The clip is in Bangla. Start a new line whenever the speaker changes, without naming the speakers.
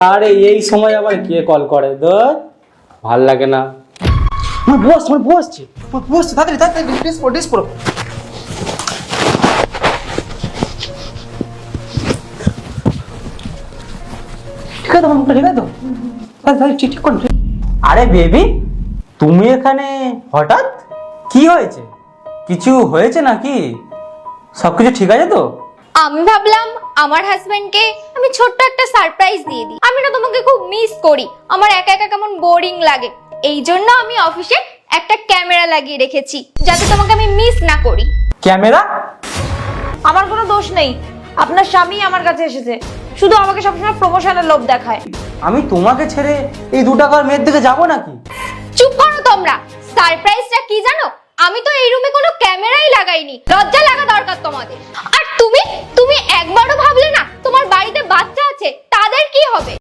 আরে এই সময় আবার কে কল করে? ভাল লাগে না।
বসছে তাড়াতাড়ি তাড়াতাড়ি ড্রেস পরো। ঠিক আছে তো ঠিক আছে তো তাড়াতাড়ি ঠিক ঠিক করুন।
আরে বেবি, তুমি এখানে হঠাৎ? কি হয়েছে? কিছু হয়েছে নাকি? সবকিছু ঠিক আছে তো?
আমি ভাবলাম আমার হাজবেন্ডকে আমি ছোট্ট একটা সারপ্রাইজ দিয়ে দিই। আমি না তোমাকে খুব মিস করি, আমার একা একা কেমন বোরিং লাগে। এই জন্য আমি অফিসে একটা ক্যামেরা লাগিয়ে রেখেছি যাতে তোমাকে আমি মিস না করি।
ক্যামেরা?
আমার কোনো দোষ নেই, আপনার স্বামী আমার কাছে এসেছে, শুধু আমাকে সবসময় প্রমোশনের লোভ দেখায়।
আমি তোমাকে ছেড়ে এই 2 টাকার মেয়ের দিকে যাবো নাকি?
চুপ করো তোমরা। সারপ্রাইজটা কি জানো? আমি তো এই রুমে কোনো ক্যামেরাই লাগাইনি। লজ্জা লাগা দরকার তোমাদের। আর তুমি একবারও ভাবলে না তোমার বাড়িতে বাচ্চা আছে, তাদের কি হবে?